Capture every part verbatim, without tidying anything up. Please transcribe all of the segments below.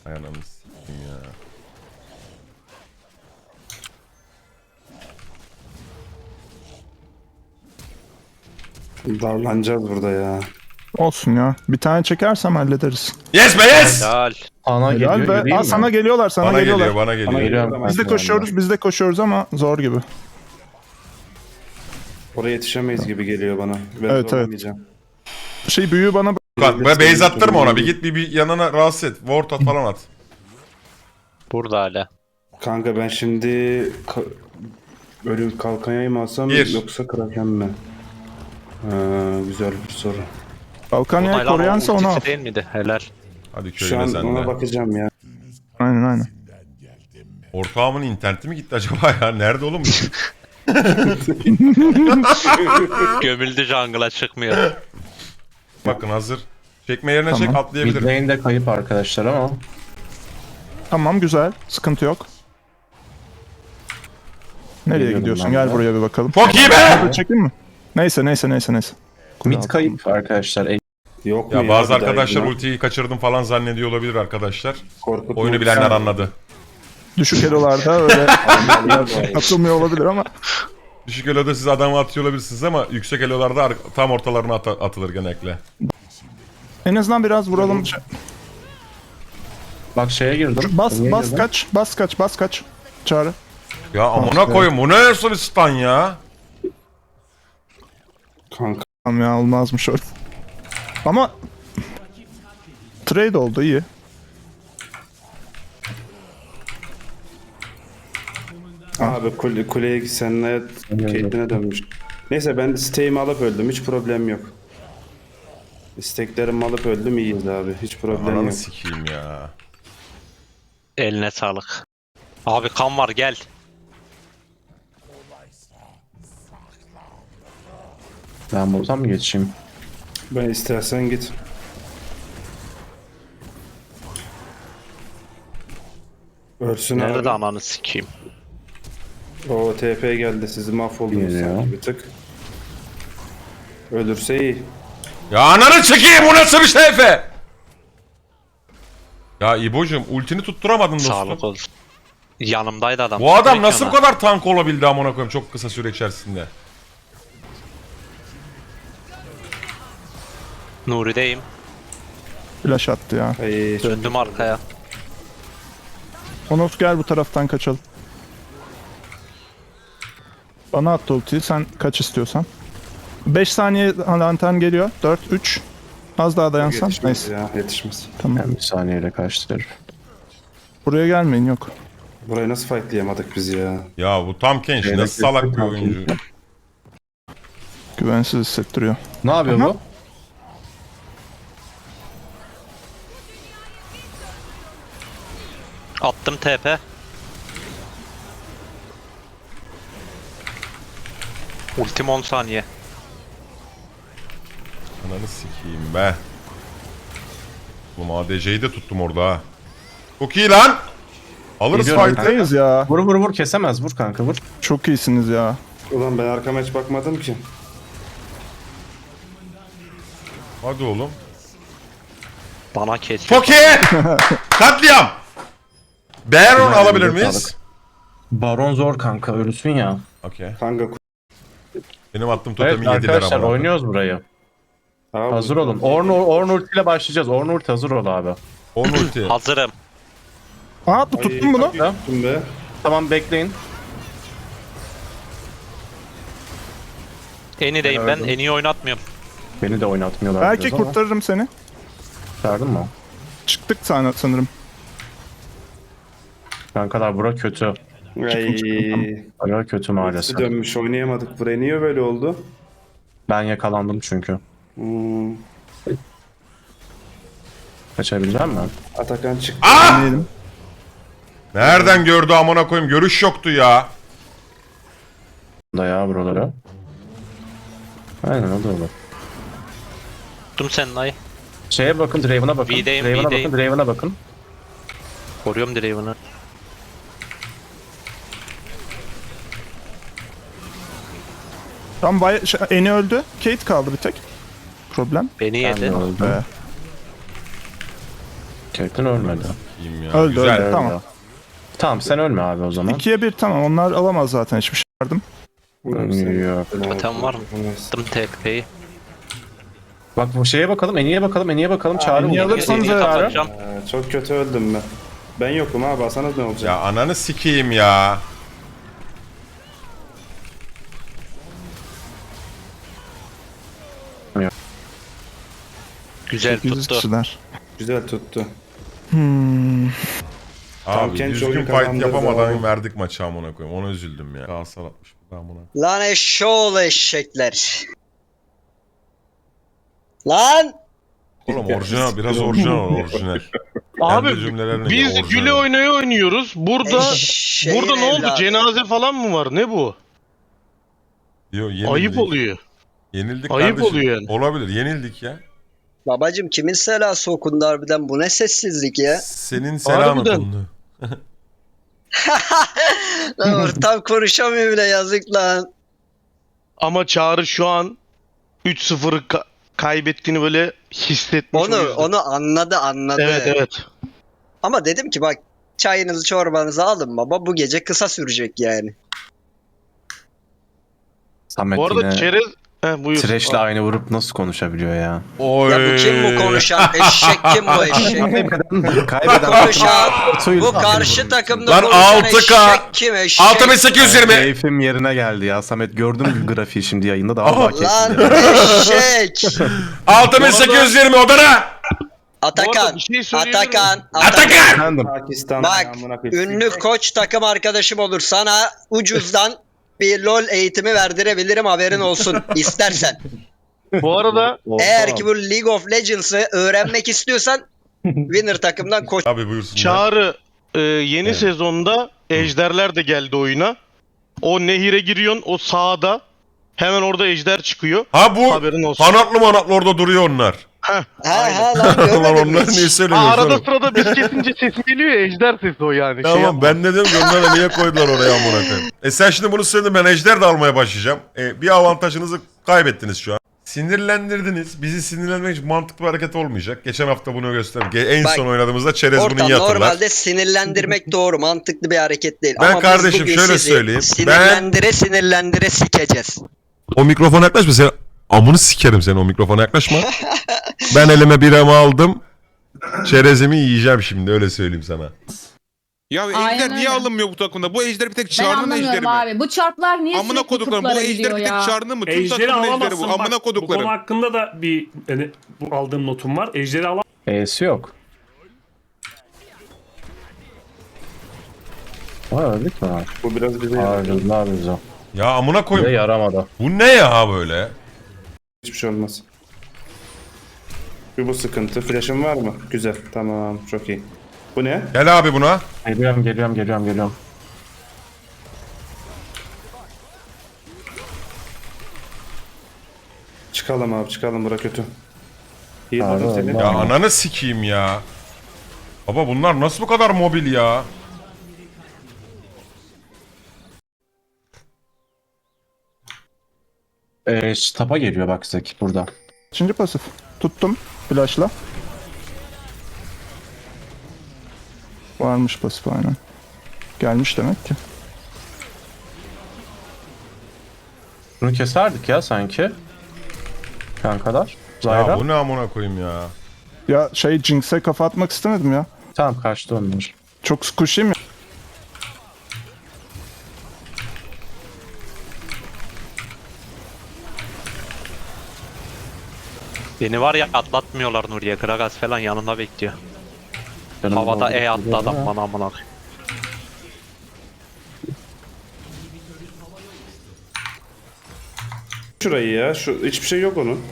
Ay ananı s**eyim ya. Darlanacağız burada ya. Olsun ya. Bir tane çekersem hallederiz. Yes be yes! Helal. Ana geliyor, Helal be. yürüyeyim Aa, mi? sana geliyorlar, sana Bana geliyorlar. geliyor, bana geliyor. Geliyorum. Biz de koşuyoruz, biz de koşuyoruz ama zor gibi. Oraya yetişemeyiz gibi geliyor bana. Ben Evet, zorlamayacağım. Şey büyüğü bana... Kan, be base attırma ona. Bir git bir, bir yanına rahatsız et. Ward at falan at. Burada hala. Kanka ben şimdi ka- böyle kalkanyayı mı alsam Bir. yoksa kraken mi? Ha, güzel bir soru. Balkanya'yı Onaylan, koruyansa o onu al. ultisi değil miydi? Helal. Hadi Şu köyüne an sen ona de. bakacağım ya. Aynen aynen. Ortağımın interneti mi gitti acaba ya? Nerede oğlum? Gömüldü jungle'a çıkmıyor. Bakın hazır. Çekme yerine Tamam. çek Mid atlayabilirim. lane de kayıp arkadaşlar ama. Tamam güzel. Sıkıntı yok. Nereye Geliyorum gidiyorsun? ben Gel de. buraya bir bakalım. Çok iyi be! Burada çekeyim mi? Neyse neyse neyse neyse. Mid kayıp arkadaşlar. E, Yok mu Ya bazı bir daha arkadaşlar ya? ultiyi kaçırdım falan zannediyor olabilir arkadaşlar. Korkutma. Oyunu bilenler anladı. Düşük elolarda öyle atılmıyor olabilir ama. Düşük eloda siz adamı atıyor olabilirsiniz ama yüksek elolarda ar- tam ortalarına at- atılır genellikle. En azından biraz vuralım. bak şeye girdim. Bas Niye bas girdim? kaç. Bas kaç bas kaç. Çağrı. Ya amına koyayım bu ne nasıl bir stun ya? Kanka Tamam ya olmazmış öyle. Ama trade oldu iyi. abi kule, kuleye senle Caitlyn'e dönmüş. Neyse ben stay'imi alıp öldüm. Hiç problem yok. İsteklerimi alıp öldüm iyiyiz abi. Hiç problem Ananı yok. sikeyim ya. Eline sağlık. Abi kan var gel. Ben buradan mı geçeyim? Ben istersen git. Ölsün Nerede abi. ananı sikeyim. O T P geldi. Sizi mahvoldunuz Geliyor. sanki bir tık. Ölürse iyi. Ya ananı sikeyim bu nasıl bir şey Efe? Ya İbo'cum ultini tutturamadın Sağlık dostum. olsun. Yanımdaydı adam. Bu adam Direkt nasıl bu yana. kadar tank olabildi amına koyayım çok kısa süre içerisinde. Nuri'deyim. Flash attı ya. Ay, çok- Döndüm arkaya. Onos gel bu taraftan kaçalım. Bana attı ultiyi, sen kaç istiyorsan. beş saniye lantern geliyor. dört, üç. Az daha dayansan. yetişmez Neyse. ya yetişmez. Tamam. Ben bir saniyeyle kaçtı herif. Buraya gelmeyin yok. Burayı nasıl fightlayamadık biz ya? Ya bu tam Kenshi Evet, nasıl salak bir Tam oyuncu. Kenshi. Güvensiz hissettiriyor. Ne yapıyor Aha. bu? Attım T P. Ultim on saniye. Ananı sikeyim be. Oğlum A D C'yi de tuttum orada ha. Çok iyi lan. Alırız Geliyorum. fight'ı. Buradayız ya. Vur vur vur kesemez vur kanka vur. Çok iyisiniz ya. Ulan ben arkama hiç bakmadım ki. Hadi oğlum. Bana kes. Çok iyi. Katliam. Baron Güzel, alabilir elinize miyiz? sağlık. Baron zor kanka ölüsün ya. Okey. Kanka Benim attığım Evet totemi yediler arkadaşlar ama. oynuyoruz burayı. Abi, Hazır olun. Orn, Orn ulti ile başlayacağız. Orn ulti hazır ol abi. On ulti. Hazırım. Aa bu tuttun bunu. Tuttum be. Tamam bekleyin. Eni'deyim ben. Eni'yi oynatmıyorum. Beni de oynatmıyorlar. Belki biraz ama. kurtarırım seni. Kurtardın mı? Çıktık sana sanırım. Kankalar bura kötü. Ay. Bura kötü maalesef. Dönmüş oynayamadık. Buraya niye böyle oldu? Ben yakalandım çünkü. Hmm. Kaçabilecek mi? Atakan çıktı. Ah! Diyelim. Nereden gördü amına koyayım? Görüş yoktu ya. Da ya buraları. Aynen o da olur. Tuttum senin ay. Şeye bakın, Draven'a bakın. V'deyim, Draven'a V'deyim. bakın, Draven'a bakın. Koruyorum Draven'ı. Tam bay şey, Eni öldü. Kate kaldı bir tek. Problem. Beni Ben de yedi. öldüm. Ee, Caitlyn ölmedi. İyiyim ya. Öldü, Güzel. öldü. Tamam. Tamam sen ölme abi o zaman. ikiye bir tamam. Onlar alamaz zaten hiçbir şey yardım. Yok. Totem var mı? Attım T P'yi. Bak bu şeye bakalım, Eni'ye bakalım, Eni'ye bakalım. Çağrı Eni'ye vurdu. alırsanız Geriye yararı. kapatacağım. Ee, çok kötü öldüm ben. Ben yokum ha, basanız ne olacak? Ya ananı sikeyim ya. Güzel sekiz yüz tuttu. kişiler. Güzel tuttu. Hmm. Abi kendi düzgün oyunu fight kazandırdı yapamadan abi. verdik maçı amına koyayım. Ona üzüldüm ya. Galatasaray atmış bu da amına. Lan eşşoğlu eşekler. Lan! Oğlum orijinal biraz orijinal ol, orijinal. Abi Kendi cümlelerine biz göre orijinal güle ol. oynaya oynuyoruz. Burada Eşeğin burada ne oldu? evladı. Cenaze falan mı var? Ne bu? Yo, yenildik. Ayıp oluyor. Yenildik Ayıp kardeşim. oluyor yani. Olabilir. Yenildik ya. Babacım kimin selası okundu harbiden, bu ne sessizlik ya? Senin selam Harbiden. okundu. Lan ortam konuşamıyor bile, yazık lan. Ama Çağrı şu an üç sıfırı ka- kaybettiğini böyle hissetmiş. o Onu yüzden. onu anladı anladı. Evet evet. Ama dedim ki bak, çayınızı çorbanızı alın baba, bu gece kısa sürecek yani. Samet Bu arada yine çerez... Heh, buyur. Thresh'le aynı vurup nasıl konuşabiliyor ya? Oy. Ya bu kim bu konuşan eşek, kim bu eşek? Kaybeden, kaybeden Konuşan bu takım- karşı takımda Lan konuşan altı K, eşek kim eşek? altı bin sekiz yüz yirmi. Keyfim yerine geldi ya. Samet gördün mü grafiği şimdi yayında daha Aha. daha keyifli. Lan eşek. altı bin sekiz yüz yirmi odana. Bu arada Atakan, bir şey söyleyebilir Atakan, miyim? Atakan. Atakan. Efendim. Pakistan Bak, amına koyayım. ünlü koç takım arkadaşım olur, sana ucuzdan bir LoL eğitimi verdirebilirim, haberin olsun istersen. Bu arada Eğer ki bu League of Legends'ı öğrenmek istiyorsan winner takımdan koç. Abi buyursun. Çağrı e, yeni sezonda Ejderler de geldi oyuna. O nehire giriyorsun, o sağda. Hemen orada ejder çıkıyor. Ha bu Haberin olsun. kanatlı manatlı orada duruyor onlar. Heh. Ha ha lan, Lan görmedin mi onlar niye hiç? Ha, söylemiyorsun? arada oğlum? sırada biz kesince sesi geliyor ya, ejder sesi o yani. Şey Tamam yapma. ben de dedim ki onlara niye koydular oraya amına koyayım. E sen şimdi bunu söyledin, ben ejder de almaya başlayacağım. E, bir avantajınızı kaybettiniz şu an. Sinirlendirdiniz. Bizi sinirlenmek için mantıklı bir hareket olmayacak. Geçen hafta bunu gösterdim. Ge- En Bak, son oynadığımızda çerez bunu Ortam iyi hatırlar. normalde sinirlendirmek doğru, mantıklı bir hareket değil. Ben Ama kardeşim biz bugün şöyle sizi söyleyeyim. Sinirlendire sinirlendire sikeceğiz. O mikrofona yaklaşma, sen amını sikerim seni, o mikrofona yaklaşma. Ben elime biramı aldım. Çerezimi yiyeceğim şimdi, öyle söyleyeyim sana. Ya Aynen ejder niye öyle. alınmıyor bu takımda? Bu ejder bir tek Ben Çağrı'nın ejderi anlamıyorum mi? abi. Bu çarplar niye Amına sürekli koduklarım bu kutlara ejder gidiyor bir tek ya? Çağrı'nın mı? Tüm Ejderi takımın ejderi alamazsın bu. bak. Amına Bu konu koduklarım. hakkında da bir yani, bu aldığım notum var. Ejderi alamazsın. E'si yok. Ha öldük mü abi? Bu biraz bize Harcadı ne yapıyoruz o? Ya amına Bize koyayım. yaramadı. Bu ne ya böyle? hiçbir şey olmaz. Bir bu sıkıntı. Flash'ın var mı? Güzel. Tamam. Çok iyi. Bu ne? Gel abi buna. Geliyorum geliyorum geliyorum geliyorum. Çıkalım abi, çıkalım. Bura kötü. İyi Abi, bakın seni. Allah. Ya ananı sikeyim ya. Baba bunlar nasıl bu kadar mobil ya? Ee, tapa geliyor bak Zek burada. Şimdi pasif. Tuttum flash'la. Varmış pasif aynen. Gelmiş demek ki. Bunu keserdik ya sanki. Kankalar. Zayra. Ya bu ne amına koyayım ya? Ya şey Jinx'e kafa atmak istemedim ya. Tamam kaçtı onlar. Çok squishy mi? Beni var ya atlatmıyorlar Nuriye. Gragas falan yanında bekliyor. Canım Havada oldu, E attı geliyor adam ama. bana amına koyayım. Şurayı ya. Şu hiçbir şey yok onun.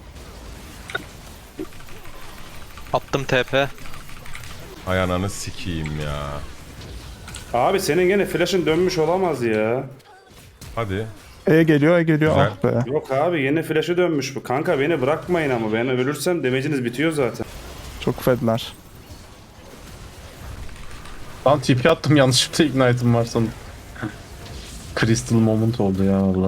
Attım T P. Ay ananı sikeyim ya. Abi senin gene flash'ın dönmüş olamaz ya. Hadi. E geliyor, E geliyor. Güzel. Ah be. Yok abi, yine flash'ı dönmüş bu. Kanka beni bırakmayın ama, ben ölürsem demeciniz bitiyor zaten. Çok fedler. Lan T P attım yanlışlıkla ignite'ım var sanırım. Crystal moment oldu ya valla.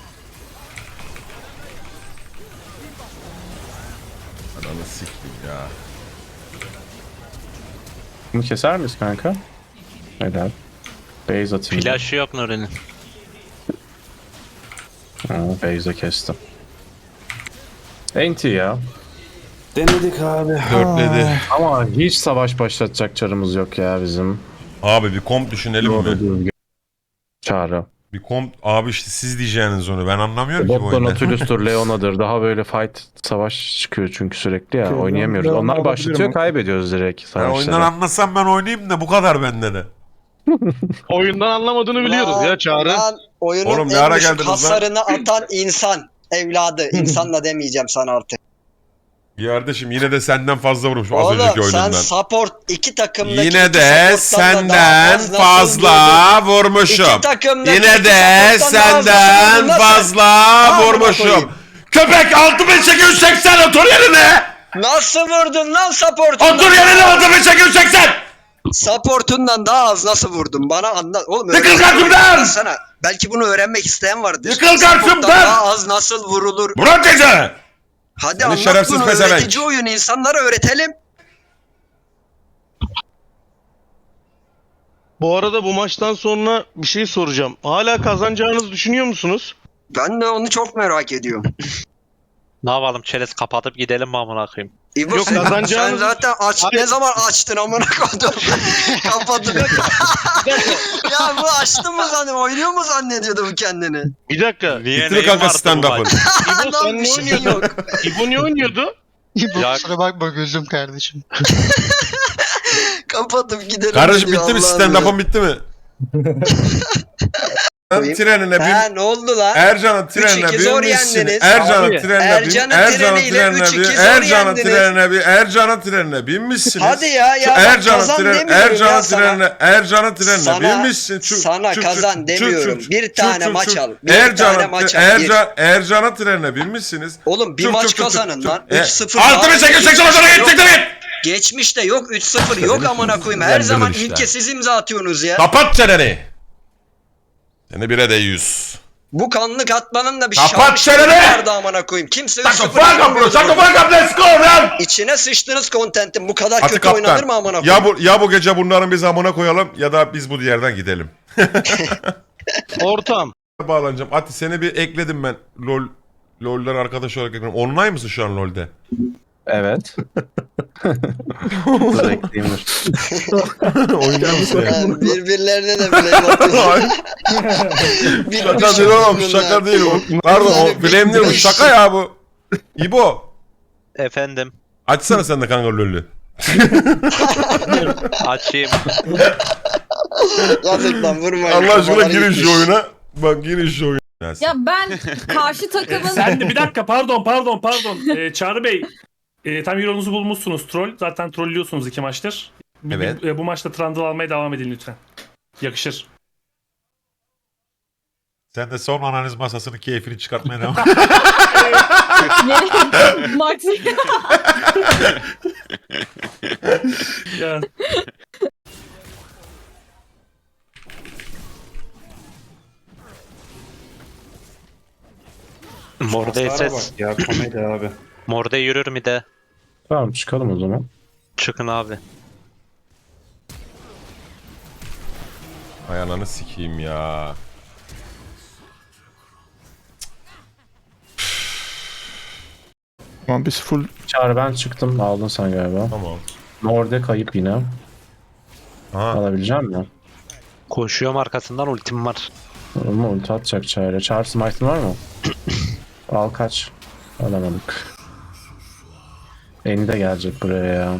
Ananı sikeyim ya. Bunu keser miyiz kanka? Helal. Base atayım. Flash'ı yok Nuri'nin. Ha, base'e kestim. Enti ya. Denedik abi. Dörtledi. Ama hiç savaş başlatacak çarımız yok ya bizim. Abi bir komp düşünelim mi? düzgün. Çağrı. Bir komp abi işte siz diyeceğiniz onu ben anlamıyorum ki bu Botla oyunda. Nautilus'tur, Leona'dır. Daha böyle fight, savaş çıkıyor çünkü sürekli ya. Okey, Oynayamıyoruz. Leona Onlar olabilir başlatıyor, mi? kaybediyoruz direkt Ben savaşları. oyundan anlasam ben oynayayım da bu kadar bende de. Oyundan anlamadığını biliyoruz Lan- ya Çağrı. Lan oyunun Oğlum ne en ara düşük geldiniz lan? hasarını atan insan. Evladı. İnsan da demeyeceğim sana artık. Ya kardeşim yine de senden fazla vurmuşum az önceki Oğlum sen oyundan. support iki takımdaki Yine iki de supporttan da daha senden az nasıl fazla vurdun? vurmuşum. İki takımdaki Yine iki de supporttan daha az nasıl vurdun senden lan sen? fazla Amına vurmuşum. koyayım. Köpek altı bin sekiz yüz seksen otur yerine. Nasıl vurdun lan supportundan? Otur yerine altı bin sekiz yüz seksen. Supportundan daha az nasıl vurdun? Bana anlat. Oğlum Yıkıl öğrenmek karşımdan! sana. Belki bunu öğrenmek isteyen vardır. Yıkıl Supporttan karşımdan! Daha az nasıl vurulur? Bırak gece. Hadi Seni anlat şerefsiz bunu, pezevenk. öğretici oyun, insanlara öğretelim. Bu arada bu maçtan sonra bir şey soracağım. Hala kazanacağınızı düşünüyor musunuz? Ben de onu çok merak ediyorum. Ne yapalım çerez kapatıp gidelim mi amına koyayım? İbo Yok, sen, sen kazanacağınız- zaten aç, Hayır. ne zaman açtın amına koydum. Kapattın. Ya bu açtı mı zannet, oynuyor mu zannediyordu bu kendini? Bir dakika. Niye Bitir neyin kanka vardı bu stand-up'ın. maç? İbo Lan sen bir ne şey oynuyordun? yok. İbo ne oynuyordu? Ya- Kusura bakma gözüm kardeşim. Kapatıp gidelim. Kardeşim diyor, bitti mi Allah'ım stand-up'ın bitti mi? Koyayım. Trenine ya. Ha bin. ne oldu lan? Ercan'ın trenine üç iki zor binmişsin. yendiniz. Ercan'ın Abi, trenine bin. Ercan'ın Ercan'ın treniyle trenine üç bin. iki zor Ercan'ın yendiniz. trenine bin. Ercan'ın trenine binmişsiniz. Hadi ya, ya Şu bak Ercan'ın kazan trenine, demiyorum ya Ercan'ın sana. trenine, Ercan'ın trenine Sana- binmişsin. Çuk, sana çuk, kazan çuk, demiyorum. çuk, Bir çuk, tane çuk, maç çuk. al. Bir Ercan'ın, tane maç al. Ercan, Ercan'ın trenine binmişsiniz. Oğlum bir Çuk, maç çuk, çuk, kazanın çuk, lan. çuk. E, üç sıfır. altı bin sekiz yüz seksen hoşuna Yok. gidecekler git. Geçmişte yok üç sıfır yok amına koyayım. Her Güzel zaman işte. ilk kez siz imza atıyorsunuz ya. Kapat çeneni. Seni bire de yüz. Bu kanlık atmanın da bir Kapat şarkısı çeneni! vardı amına koyayım. Kimse üç Shut the sıfır fuck up bro. Shut the fuck up. Let's go man. İçine sıçtınız kontentin. Bu kadar Hadi kötü oynanır kaptan. mı amına Ya koyayım? bu, ya bu gece bunların biz amına koyalım ya da biz bu diğerden gidelim. Ortam. Bağlanacağım. Ati seni bir ekledim ben. LOL LOL'den arkadaş olarak ekledim. Online mısın şu an LOL'de? Evet. Dur ekleyeyim dur. Oynuyor musun? Yani birbirlerine de bile atıyorlar. Şaka değil oğlum. Şaka değil o. Pardon o blame değil bu. Şaka ya bu. İbo. Efendim Açsana sen de kanka LOL'ü. açayım. Yazık lan vurmayın. Allah aşkına kafalar girin gitmiş. şu oyuna. Bak girin şu oyuna. Ya ben karşı takımın Sen de bir dakika pardon pardon pardon. Ee, Çağrı Bey e, tam yolunuzu bulmuşsunuz troll. Zaten trollüyorsunuz iki maçtır. Bu- Evet. Bu, e, bu maçta Trundle almaya devam edin lütfen. Yakışır. Sen de son analiz masasının keyfini çıkartmaya devam. Max Ya. Morde Hasara ses. bak ya komedi abi. Morde yürür mü de? Tamam çıkalım o zaman. Çıkın abi. Ay ananı sikeyim ya. Tamam biz full Çağrı ben çıktım. Aldın sen galiba. Tamam. Morde kayıp yine. Aha. Alabileceğim mi? Koşuyorum arkasından ultim var. Ama ulti atacak Çağrı. Çağrı smite'ın var mı? Al kaç. Alamadık. Eni de gelecek buraya ya.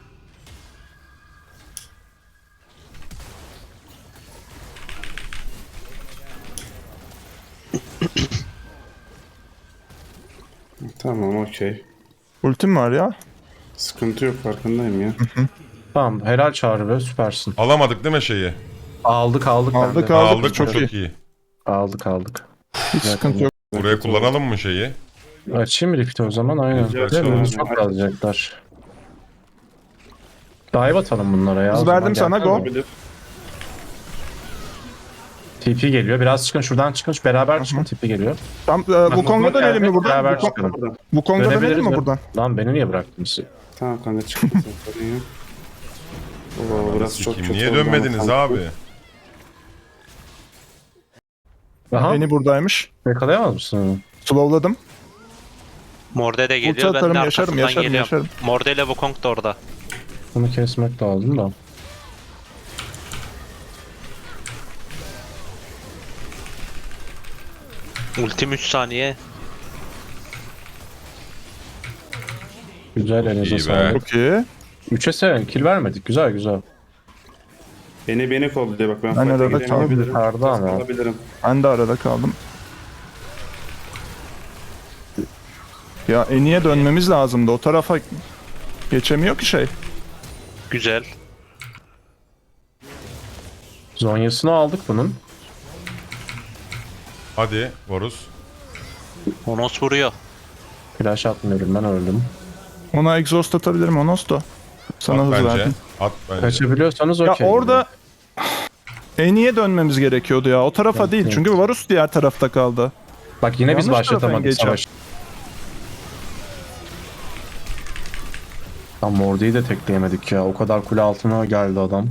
Tamam okey. ultim var ya. Sıkıntı yok farkındayım ya. Tamam helal Çağrı be süpersin. Alamadık değil mi şeyi? Aldık aldık Aldık, bende. aldık. Aldık çok çok, iyi. çok iyi. Aldık aldık. Hiç sıkıntı yok. Buraya kullanalım mı şeyi? Açayım repeat o zaman aynen. Güzel, Değil mi? güzel. Çok alacaklar. Dive atalım bunlara ya. Hız o zaman. verdim Gel. sana, go. Olabilir. T P geliyor. Biraz çıkın şuradan çıkın. Şu beraber çıkın. T P geliyor. Tam e, bu Kong'a dönelim mi buradan? Beraber Bu, Kong- çıkalım. bu Kong'a dönelim Dönebiliriz mi mi? buradan? Lan beni niye bıraktınız? Tamam kanka çıktı. Sorun yok. Oo, burası çok Kim, kötü niye oldu ama dönmediniz kanka. abi? Aha. Eni buradaymış. Yakalayamaz mısın onu? Slowladım. Morde de Ulti geliyor. Ben atarım, de yaşarım, arkasından yaşarım, geliyorum. yaşarım. Morde ile Wukong da orada. Bunu kesmek lazım da. Ultim üç saniye. Güzel, elinize İyi be. sağlık. Çok iyi. üçe seven kill vermedik. Güzel güzel. Beni beni kolluyor bak ben Ben fight'a arada gidemeyebilirim. Yukarıda ama. Kalabilirim. Ben de arada kaldım. Ya Eni'ye dönmemiz lazımdı. O tarafa geçemiyor ki şey. Güzel. Zonyasını aldık bunun. Hadi Varus. Honos vuruyor. Flash atmıyorum, ben öldüm. Ona exhaust atabilirim Onosto. Sana At hız bence. verdim. At bence. Kaçabiliyorsanız Ya okey. orada Eni'ye dönmemiz gerekiyordu ya. O tarafa Evet, değil. evet. Çünkü Varus diğer tarafta kaldı. Bak yine biz Yanlış tarafa başlatamadık geçeceğim. savaşı. Tam Morde'yi de tekleyemedik ya. O kadar kule altına geldi adam.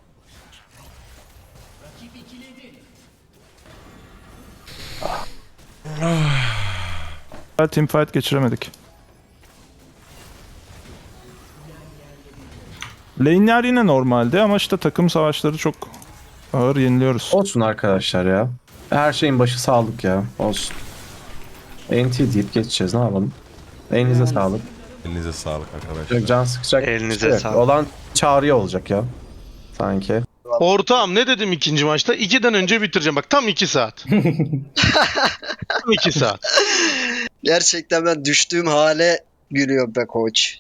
Teamfight geçiremedik. Lane'ler yine normaldi ama işte takım savaşları çok ağır yeniliyoruz. Olsun arkadaşlar ya. Her şeyin başı sağlık ya. Olsun. N T deyip geçeceğiz, ne yapalım. Elinize sağlık. Elinize sağlık arkadaşlar. Çok can sıkacak. Elinize bir şey yok. sağlık. Olan çağrıya olacak ya. Sanki. Ortağım ne dedim ikinci maçta? ikiden önce bitireceğim. Bak tam iki saat. Tam iki saat. Gerçekten ben düştüğüm hale gülüyorum be koç.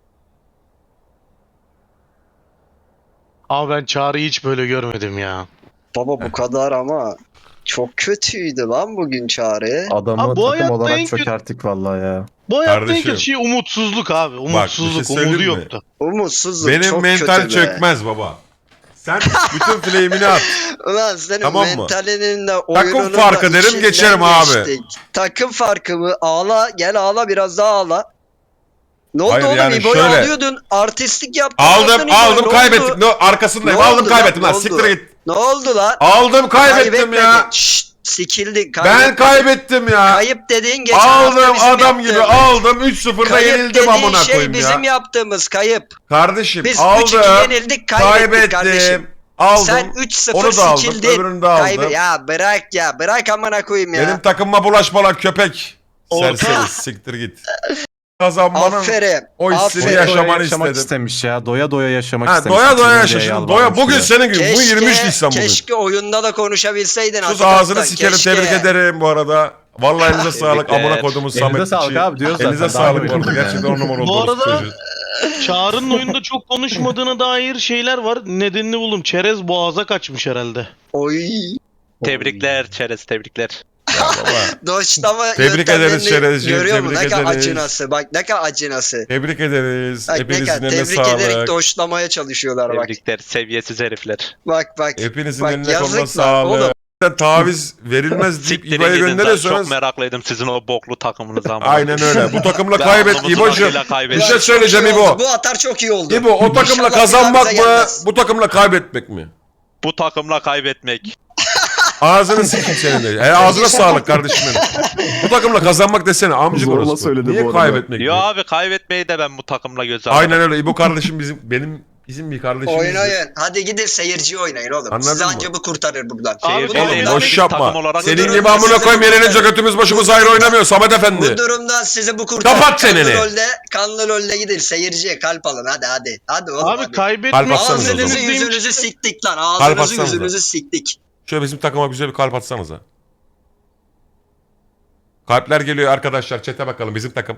Ama ben Çağrı'yı hiç böyle görmedim ya. Baba bu kadar ama çok kötüydü lan bugün Çağrı. Adamı Abi bu takım hayatta en olarak kötü- çökerttik vallahi ya. Bu hayatta en Kardeşim. kötü şey umutsuzluk abi. Umutsuzluk. bir şey söyleyeyim Umudu mi? yoktu. Umutsuzluk Benim çok mental kötü be. çökmez baba. Sen bütün flame'ini at. Ulan senin Tamam mı? mentalinin de oyununun Takım farkı da derim, içinden geçerim abi. geçtik. Takım farkı mı? Ağla gel ağla biraz daha ağla. Ne oldu Hayır, oğlum? yani İbo'yu şöyle. alıyordun. Artistlik yaptın. Aldım aldın İbo'yu. aldım Ne kaybettik. oldu? No, arkasındayım. Ne aldım oldu kaybettim lan? lan. Ne Siktir oldu? git. Ne oldu lan? Aldım kaybettim ya. Kaybetmedin. Şşt, sikildin. Ben Kaybetmedin. kaybettim ya. Kayıp dediğin geçen hafta Aldım bizim adam gibi yaptığımız. aldım. üç sıfırda Kayıp yenildim dediğin amına şey koyayım bizim ya. yaptığımız kayıp. Kardeşim Biz aldım. üç iki yenildik kaybettik kardeşim. Kaybettim. Aldım. Sen üç sıfır Onu da aldım. sikildin. Öbürünü de aldım. Kaybe- ya bırak ya. Bırak amına koyayım ya. Benim takımıma bulaşma lan köpek. Orta. Serseri siktir git. Kazanmanın Aferin. o hissini Aferin. yaşamanı Doya yaşamak istedim. istemiş ya. Doya doya yaşamak Ha, istemiş. doya doya Bitirin yaşa diye şimdi. Doya yalvarmış bugün ya. senin gün. Bu Keşke, yirmi Nisan bugün. keşke oyunda da konuşabilseydin. Sus hakikaten. ağzını sikerim, Keşke. tebrik ederim bu arada. Vallahi elinize sağlık Tebrikler. amına kodumun Elinize Samet sağlık için. abi diyoruz zaten. Elinize Daha sağlık ne bu arada. bileyim Gerçekten on numara Bu oldu. arada- Çağrı'nın oyunda çok konuşmadığına dair şeyler var. Nedenini buldum. Çerez boğaza kaçmış herhalde. Oy. Tebrikler Çerez, tebrikler. Baba, Doşlama Tebrik ederiz Şerezciğim, Görüyor musun? tebrik Ne kadar ederiz. acınası. Bak ne kadar acınası. tebrik ederiz. Bak ne Hepinizin kadar eline tebrik ederek sağlık. doşlamaya çalışıyorlar bak. Tebrikler seviyesiz herifler. Bak bak. Hepinizin Bak, eline yazık koluna lan sağlık. oğlum. Sen taviz verilmez deyip Siktirin İbo'ya gidin lan. gönderiyorsanız Çok meraklıydım sizin o boklu takımınızı ama. aynen öyle. Bu takımla Ben kaybet alnımızın İbo'cum. akıyla kaybettim. Bir şey Çok söyleyeceğim iyi İbo. oldu. Bu atar çok iyi oldu. İbo o takımla İnşallah kazanmak bir daha mı? bize gelmez. Bu takımla kaybetmek mi? Bu takımla kaybetmek. Ağzını sikeyim senin de. He, ağzına sağlık kardeşim benim. Bu takımla kazanmak desene amcık Zorla orası. söyledi Niye bu arada. kaybetmek Yo mi? abi kaybetmeyi de ben bu takımla göze aldım. Aynen öyle. İbo kardeşim bizim benim bizim bir kardeşimiz. Oynayın. Hadi gidin seyirci oynayın oğlum. Anladın Sizi mı? anca bu kurtarır buradan. Abi, Seyirci oğlum, değil, Boş biz yapma. takım olarak Senin görüyoruz. gibi amına koyayım yenilince götümüz başımız ayrı oynamıyor Samet Efendi. Bu durumdan sizi bu kurtarır. Kapat çeneni. Kanlı rolde, kanlı rolde gidin seyirciye kalp alın hadi hadi. Hadi oğlum Abi hadi. kaybetmek Kalp atsanıza o Ağzınızı zaman. yüzünüzü siktik lan. Kalp Ağzınızı atsanıza. yüzünüzü siktik. Şöyle bizim takıma güzel bir kalp atsanıza. Kalpler geliyor arkadaşlar. Çete bakalım bizim takım.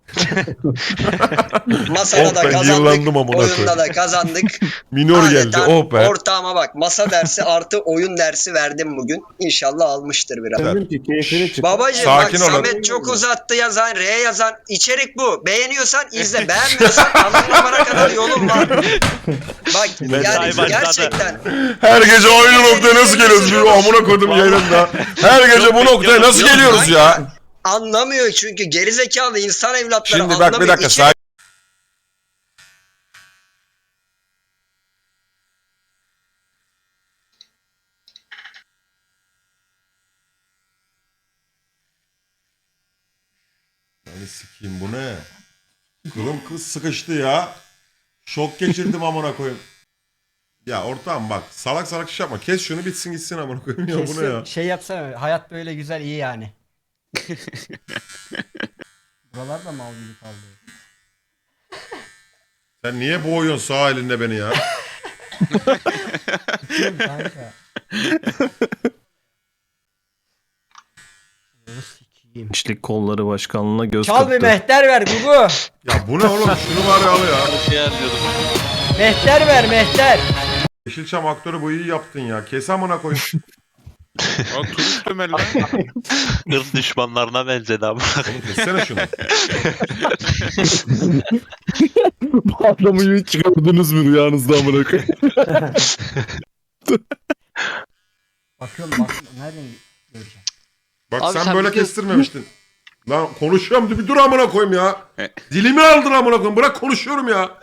Masada Oh da ben kazandık. yıllandım amına Oyunda koyayım. da kazandık. Minor geldi. Adeta Oh be. Ortağıma bak. Masa dersi artı oyun dersi verdim bugün. İnşallah almıştır biraz. Dedim ki keyfini çık. Babacım Sakin bak olun. Samet çok uzattı yazan, R yazan. İçerik bu. Beğeniyorsan izle. Beğenmiyorsan anlamana kadar yolun var. Bak yani başladı. gerçekten. Her gece aynı noktaya nasıl geliyoruz? Bir amına koydum yayınında. Her gece bu noktaya nasıl yok, geliyoruz ya? Anlamıyor çünkü gerizekalı insan evlatları Şimdi anlamıyor. bak bir dakika. İçerik Hani sikeyim bu ne? Kılım kız sıkıştı ya. Şok geçirdim amına koyayım. Ya ortağım bak salak salak iş yapma. Kes şunu bitsin gitsin amına koyayım ya bu ne ya? Şey yapsana hayat böyle güzel iyi yani. Buralarda mal gibi kaldı. Sen niye boğuyorsun sağ elinde beni ya? Kanka. Gençlik kolları başkanlığına göz Çal bir mehter ver Gugu. Ya bu ne oğlum? Şunu var ya al ya. Mehter ver mehter. Yeşilçam aktörü bu iyi yaptın ya. Kes amına koyayım. O turist Ömer lan. Irz düşmanlarına benzedi abi. Oğlum kessene şunu. Bu adamı hiç gördünüz mü rüyanızda amına koyayım? Bakıyorum bak nereden göreceğim. Bak Abi sen, sen böyle bir de- kestirmemiştin. Lan konuşuyorum bir dur amına koyayım ya. E. Dilimi aldın amına koyayım. Bırak konuşuyorum ya.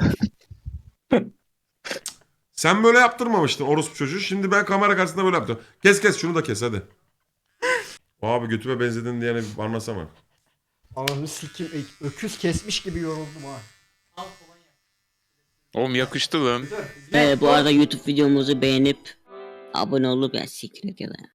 Sen böyle yaptırmamıştın orospu çocuğu. Şimdi ben kamera karşısında böyle yaptım. Kes kes şunu da kes hadi. Abi götüme benzedin diyene bir anlasana. Ananı sikim öküz kesmiş gibi yoruldum ha. Oğlum yakıştı lan. Ee, bu arada YouTube videomuzu beğenip abone olup ya siktir et ya da.